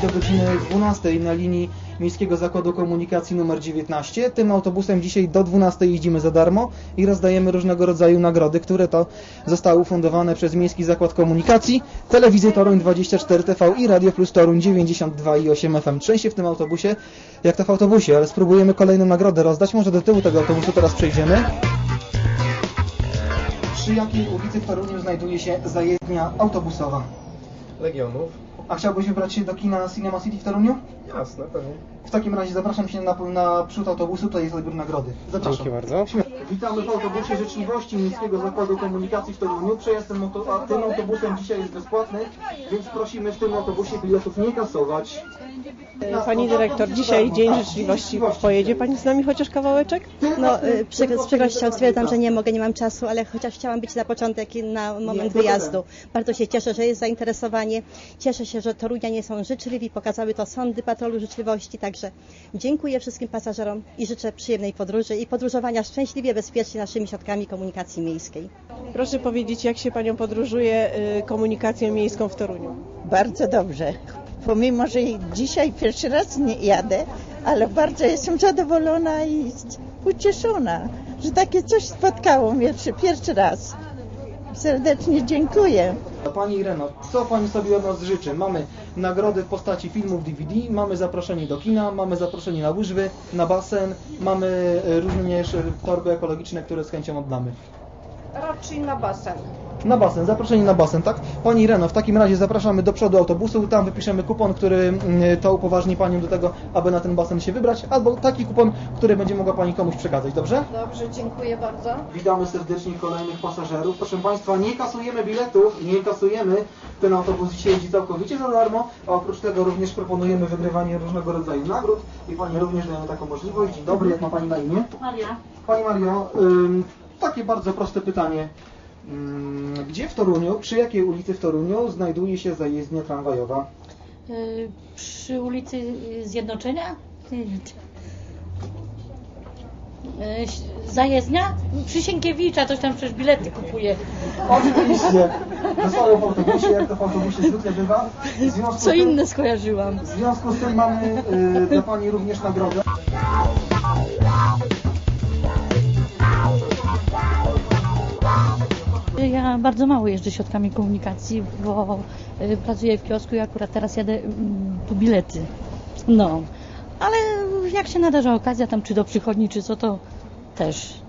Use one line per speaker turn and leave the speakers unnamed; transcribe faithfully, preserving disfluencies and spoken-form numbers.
do godziny dwunastej na linii Miejskiego Zakładu Komunikacji numer dziewiętnaście. Tym autobusem dzisiaj do dwunastej jeździmy za darmo i rozdajemy różnego rodzaju nagrody, które to zostały ufundowane przez Miejski Zakład Komunikacji, Telewizję Toruń dwadzieścia cztery T V i Radio Plus Toruń dziewięćdziesiąt dwa i osiem F M. Trzęsie w tym autobusie, jak to w autobusie, ale spróbujemy kolejną nagrodę rozdać. Może do tyłu tego autobusu teraz przejdziemy. Przy jakiej ulicy w Toruniu znajduje się zajezdnia autobusowa?
Legionów.
A chciałbyś wybrać się do kina Cinema City w Toruniu?
Jasne, pewnie.
W takim razie zapraszam się na, na przód autobusu, tutaj jest odbiór nagrody. Zapraszam.
Dzięki bardzo.
Witamy w autobusie Życzliwości Miejskiego Zakładu Komunikacji w Toruniu. Przejazd tym, auto, a tym autobusem dzisiaj jest bezpłatny, więc prosimy w tym autobusie biletów nie kasować.
Pani dyrektor, dzisiaj Dzień Życzliwości. Pojedzie Pani z nami chociaż kawałeczek?
No, przy, z przykrością stwierdzam, że nie mogę, nie mam czasu, ale chociaż chciałam być na początek i na moment wyjazdu. Bardzo się cieszę, że jest zainteresowanie. Cieszę się, że torunianie są życzliwi, pokazały to sądy patrolu życzliwości, także dziękuję wszystkim pasażerom i życzę przyjemnej podróży i podróżowania szczęśliwie, bezpiecznie naszymi środkami komunikacji miejskiej.
Proszę powiedzieć, jak się Panią podróżuje komunikacją miejską w Toruniu?
Bardzo dobrze. Pomimo, że dzisiaj pierwszy raz nie jadę, ale bardzo jestem zadowolona i ucieszona, że takie coś spotkało mnie pierwszy raz. Serdecznie dziękuję.
Pani Ireno, co Pani sobie od nas życzy? Mamy nagrody w postaci filmów D V D, mamy zaproszenie do kina, mamy zaproszenie na łyżwy, na basen, mamy również torby ekologiczne, które z chęcią oddamy.
Raczej na basen.
Na basen, zaproszenie na basen, tak? Pani Ireno, w takim razie zapraszamy do przodu autobusu, tam wypiszemy kupon, który to upoważni Panią do tego, aby na ten basen się wybrać, albo taki kupon, który będzie mogła Pani komuś przekazać, dobrze?
Dobrze, dziękuję bardzo.
Witamy serdecznie kolejnych pasażerów. Proszę Państwa, nie kasujemy biletów, nie kasujemy. Ten autobus dzisiaj jeździ całkowicie za darmo, a oprócz tego również proponujemy wygrywanie różnego rodzaju nagród i Pani również dają taką możliwość. Dzień dobry, jak ma Pani na imię?
Maria.
Pani Mario, ym, takie bardzo proste pytanie. Gdzie w Toruniu, przy jakiej ulicy w Toruniu znajduje się zajezdnia tramwajowa?
Yy, przy ulicy Zjednoczenia? Yy, zajezdnia? Przy Sienkiewicza, coś tam przecież bilety kupuje.
Oczywiście. Zostało w autobusie, jak to w autobusie zwykle bywa.
Co tym, inne skojarzyłam.
W związku z tym mamy yy, dla Pani również nagrodę.
Ja bardzo mało jeżdżę środkami komunikacji, bo y, pracuję w kiosku i akurat teraz jadę y, po bilety. No, ale jak się nadarza okazja tam czy do przychodni, czy co, to też